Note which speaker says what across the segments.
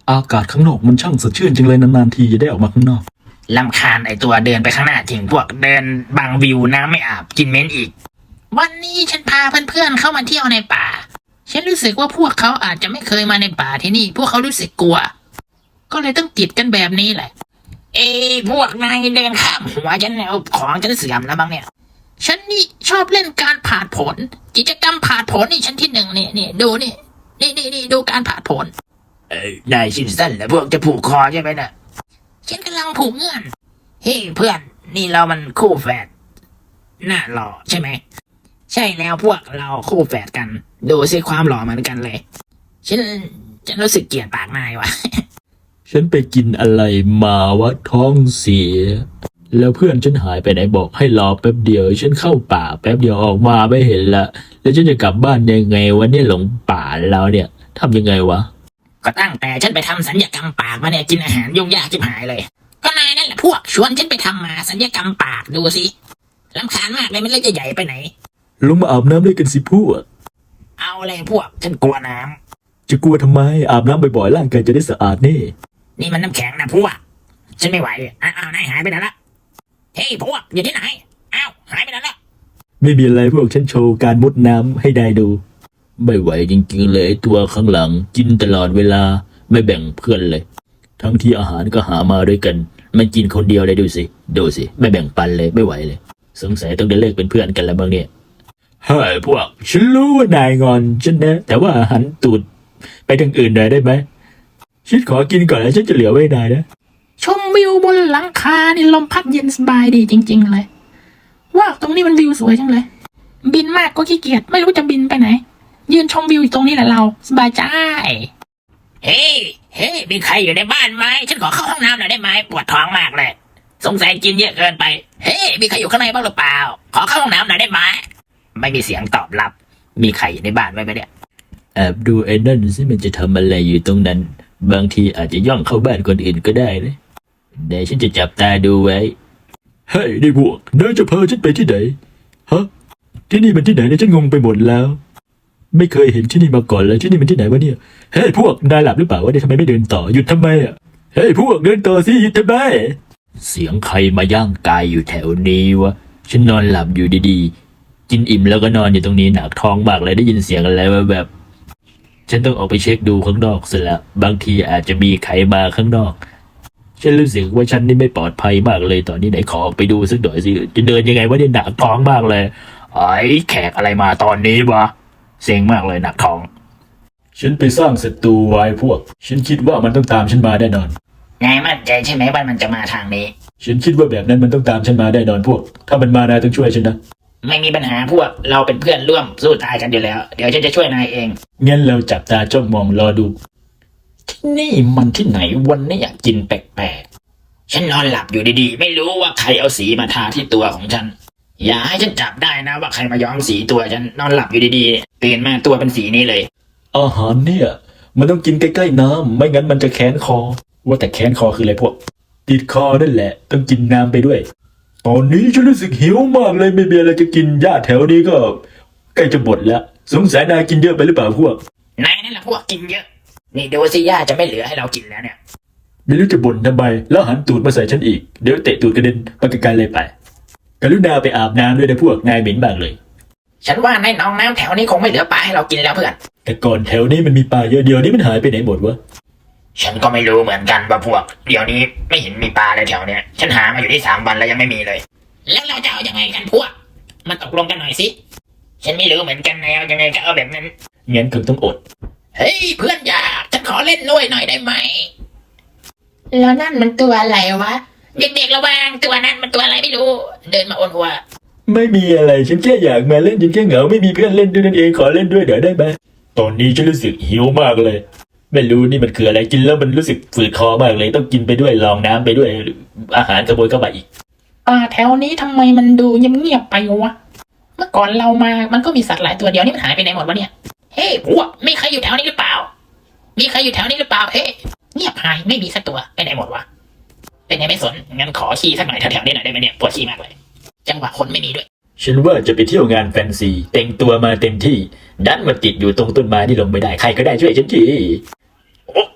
Speaker 1: อากาศข้างนอกมันช่างสดชื่นจังเลยนานๆทีจะได้ออกมาข้างนอก
Speaker 2: ลำคาญไอตัวเดินไปข้างหน้าทิ้งพวกเดินบังวิวน้ำไม่อาบกินเม้นอีกวันนี้ฉันพาเพื่อนๆเข้ามาเที่ยวในป่าฉันรู้สึกว่าพวกเขาอาจจะไม่เคยมาในป่าที่นี่พวกเขารู้สึกกลัวก็เลยต้องติดกันแบบนี้แหละพวกนายเดินข้ามหัวฉันเอาของฉันเสื่อมแล้วบ้างเนี่ยฉันนี่ชอบเล่นการผ่านผลกิจกรรมผ่านผลนี่ฉันที่หนึ่งนี่ดูนี่ดูการผ่านผลนายชินสั้นแล้วพวกจะผูกคอใช่ไหมน่ะฉันกำลังผูกเงื่อนเฮ้เพื่อนนี่เรามันคู่แฝดหน้าหล่อใช่ไหมใช่แล้วพวกเราคู่แฝดกันดูสิความหล่อเหมือนกันเลยฉันรู้สึกเกลียดปากนายวะ
Speaker 1: ฉันไปกินอะไรมาวะท้องเสียแล้วเพื่อนฉันหายไปไหนบอกให้รอแป๊บเดียวฉันเข้าป่าแป๊บเดียวออกมาไม่เห็นละแล้วฉันจะกลับบ้านยังไงวะเนี่ยหลงป่าแล้วเนี่ยทำยังไงวะ
Speaker 2: ก็ตั้งแต่ฉันไปทำศัลยกรรมปากมาเนี่ยกินอาหารยุ่งยากชิบหายเลยก็นายนั่นแหละพวกชวนฉันไปทำมาศัลยกรรมปากดูสิรำคาญมากเลยมันเลยจะใหญ่ไปไหน
Speaker 1: ลงมาอาบน้ำด้วยกันสิพวก
Speaker 2: เอาเลยพวกฉันกลัวน้
Speaker 1: ำจะกลัวทำไมอาบน้ำบ่อยๆร่างกายจะได้สะอาด
Speaker 2: นี่มันน้ำแข็งนะพวกฉันไม่ไหวอ้าวนายหายไปไหนละเฮ้ยพวกอยู่ที่ไหนอ้าวหายไปไหนละ
Speaker 1: ไม่มีอะไรพวกฉันโชว์การมุดน้ำให้ได้ดูไม่ไหวจริงๆเลยตัวข้างหลังกินตลอดเวลาไม่แบ่งเพื่อนเลยทั้งที่อาหารก็หามาด้วยกันมันกินคนเดียวเลยดูสิไม่แบ่งปันเลยไม่ไหวเลยสงสัยต้องได้เลิกเป็นเพื่อนกันแล้วบ้างเนี่ยเฮ้ยพวกฉันรู้ว่านายงอนฉันนะแต่ว่าหันตูดไปทางอื่นหน่อยได้ไหมฉันขอกินก่อนแล้วฉันจะเหลือไว้ได้นะ
Speaker 2: ชมวิวบนหลังคานี่ลมพัดเย็นสบายดีจริงๆเลยว่าตรงนี้มันวิวสวยจังเลยบินมากก็ขี้เกียจไม่รู้จะบินไปไหนยืนชมวิวอยู่ตรงนี้แหละเราสบายใจเฮ้มีใครอยู่ในบ้านไหมฉันขอเข้าห้องน้ำหน่อยได้ไหมปวดท้องมากเลยสงสัยกินเยอะเกินไปเฮ้มีใครอยู่ข้างในบ้างหรือเปล่าขอเข้าห้องน้ำหน่อยได้ไหมไม่มีเสียงตอบรับมีใครอยู่ในบ้านไหมเนี่ย
Speaker 1: แอบดูไอ้นั่นสิมันจะทำอะไรอยู่ตรงนั้นบางทีอาจจะย่องเข้าบ้านคนอื่นก็ได้นะเดี๋ยวฉันจะจับตาดูไว้เฮ้ยนี่พวกนายจะพาฉันไปที่ไหนฮะที่นี่มันที่ไหนเนี่ยฉันงงไปหมดแล้วไม่เคยเห็นที่นี่มาก่อนเลยที่นี่มันที่ไหนวะเนี่ยเฮ้ยพวกนายหลับหรือเปล่าวะเนี่ยทำไมไม่เดินต่อหยุดทำไมอ่ะเฮ้ยพวกเดินต่อสิหยุดทำไมเสียงใครมาย่างกายอยู่แถวนี้วะฉันนอนหลับอยู่ดีๆกินอิ่มแล้วก็นอนอยู่ตรงนี้หนักท้องมากเลยได้ยินเสียงอะไรแบบฉันต้องออกไปเช็คดูข้างนอกเสร็จแล้วบางทีอาจจะมีใครมาข้างนอกฉันรู้สึกว่าฉันนี่ไม่ปลอดภัยมากเลยตอนนี้ไหนขอออกไปดูสักหน่อยสิจะเดินยังไงวะเนี่ยหนักท้องมากเลยไอ้แขกอะไรมาตอนนี้วะเซ็งมากเลยหนักท้องฉันไปสร้างศัตรูไว้พวกฉันคิดว่ามันต้องตามฉันมาแน่นอน
Speaker 2: นายมั่นใจใช่ไหมว่ามันจะมาทางนี้
Speaker 1: ฉันคิดว่าแบบนั้นมันต้องตามฉันมาแน่นอนพวกถ้ามันมานายต้องช่วยฉันนะ
Speaker 2: ไม่มีปัญหาพวกเราเป็นเพื่อนร่วมสู้ตายกันอยู่แล้วเดี๋ยวฉันจะช่วยนายเอง
Speaker 1: งั้นเราจับตาจ้องมองรอดู
Speaker 2: ที่นี่มันที่ไหนวันนี้อยากกินแปลกๆฉันนอนหลับอยู่ดีๆไม่รู้ว่าใครเอาสีมาทาที่ตัวของฉันอย่าให้ฉันจับได้นะว่าใครมาย้อมสีตัวฉันนอนหลับอยู่ดีๆตื่นมาตัวเป็นสีนี้เลย
Speaker 1: อาหารเนี่ยมันต้องกินใกล้ๆน้ำไม่งั้นมันจะแค้นคอว่าแต่แค้นคอคืออะไรพวกติดคอนั่นแหละต้องกินน้ำไปด้วยตอนนี้ฉันรู้สึกหิวมากเลยไม่มีอะไรจะกินหญ้าแถวนี้ก็ใกล้จะหมดแล้วสงสัยนายกินเยอะไปหรือเปล่าพวก
Speaker 2: นายนั่นแหละพวกกินเยอะนี่ดูสิหญ้าจะไม่เหลือให้เรากินแล้วเนี่ย
Speaker 1: ไม่รู้จะบ่นทำไมแล้วหันตูดมาใส่ฉันอีกเดี๋ยวเตะตูดกระเด็นไปไกลๆเลยไปกรุณาไปอาบน้ำด้วยนะพวกนายเหม็นบ้างเลย
Speaker 2: ฉันว่าในหนองน้ำแถวนี้คงไม่เหลือปลาให้เรากินแล้วเพื่อน
Speaker 1: แต่ก่อนแถวนี้มันมีปลาเยอะเดียวนี้มันหายไปไหนหมดวะ
Speaker 2: ฉันก็ไม่รู้เหมือนกันว่าพวกเดี๋ยวนี้ไม่เห็นมีปลาเลยแถวเนี้ยฉันหามาอยู่ที่3 วันแล้วยังไม่มีเลยแล้วเราจะเอายังไงกันพวกมาตกลงกันหน่อยสิฉันไม่รู้เหมือนกันแล้วยังไงก็เอาแบบนั้น
Speaker 1: งั้นคงต้องอด
Speaker 2: เฮ้ยเพื่อนอยากฉันขอเล่นด้วยหน่อยได้ไหมแล้วนั่นมันตัวอะไรวะเด็กๆระวังตัวนั้นมันตัวอะไรไม่รู้เดินมาโอนหัว
Speaker 1: ไม่มีอะไรฉันแค่อยากมาเล่นฉันแค่เหงาไม่มีเพื่อนเล่นด้วยนั่นเองขอเล่นด้วยเดี๋ยวได้ไหมตอนนี้ฉันรู้สึกหิวมากเลยไม่รู้นี่มันคืออะไรกินแล้วมันรู้สึกฝืดคอมากเลยต้องกินไปด้วยลองน้ำไปด้วยอาหารขโมยเข้ามาอีก
Speaker 2: แถวนี้ทำไมมันดูเงียบๆไปวะเมื่อก่อนเรามามันก็มีสัตว์หลายตัวเดียวนี่มันหายไปไหนหมดวะเนี่ยเฮ้พวกมีใครอยู่แถวนี้หรือเปล่ามีใครอยู่แถวนี้หรือเปล่าเฮ้เงียบหายไม่มีสักตัวไปไหนหมดวะเป็นไงไม่สนงั้นขอขี้สักหน่อยแถวๆนี้หน่อยได้ไหมเนี่ยปวดขี้มากเลยจังหวะคนไม่มีด้วย
Speaker 1: ฉันว่าจะไปเที่ยวงานแฟนซีแต่งตัวมาเต็มที่ดันมาติดอยู่ตรงต้นไม้ที่ลงไม่ได้ใครก็ได้ช่วยฉันที
Speaker 2: โอ้ขาฉัน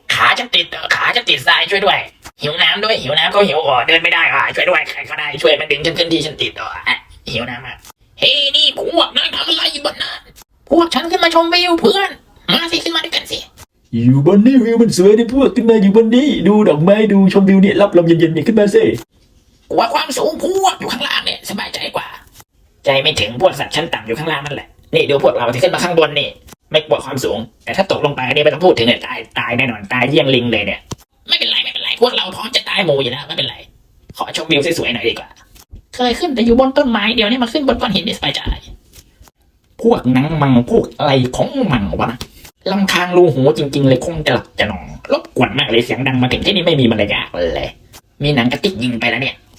Speaker 2: ติดขาฉันติดทรายช่วยด้วยหิวน้ำด้วยหิวน้ำก็หิวเดินไม่ได้ช่วยด้วยใครก็ได้ช่วยมันดึงฉันขึ้นที่ฉันติดหิวน้ำเฮ้ยนี่พวกนายทำอะไรบนนั้นพวกฉันขึ้นมาชมวิวเพื่อนมาสิขึ้นมาด้วยกันสิ
Speaker 1: อยู่บนนี้วิวมันสวยดิพวกขึ้นมาอยู่บนนี้ดูดอกไม้ดูชมวิวเนี่ยรับลมเย็นๆเนี่ยขึ้นมาสิ
Speaker 2: กว่าความสูงพวกอยู่ข้างล่างเนี่ยสบายใจกว่า ใจไม่ถึงพวกสัตว์ชั้นต่ำอยู่ข้างล่างนั่นแหละนี่ดูพวกเราที่ขึ้นมาข้างบนนี่ไม่กลัวความสูงแต่ถ้าตกลงไปนี่ไม่ต้องพูดถึงเลยตายแน่นอนตายเยี่ยงลิงเลยเนี่ยไม่เป็นไรพวกเราพร้อมจะตายหมู่อยู่แล้วไม่เป็นไรขอชมวิวสวยๆหน่อยดีกว่าเคยขึ้นแต่อยู่บนต้นไม้เดี๋ยวนี้มาขึ้นบนก้อนหินนี่สบายใจพวกนังมังพวกอะไรของมังวะนะลำคางรูหูจริงๆเลยคงจะหลับจะนอนรบกวนมากเลยเสียงดังมาถึงที่นี่ไม่มีมารยาทเลยมีหนังกระติกยิงไปแล้วเนี่ย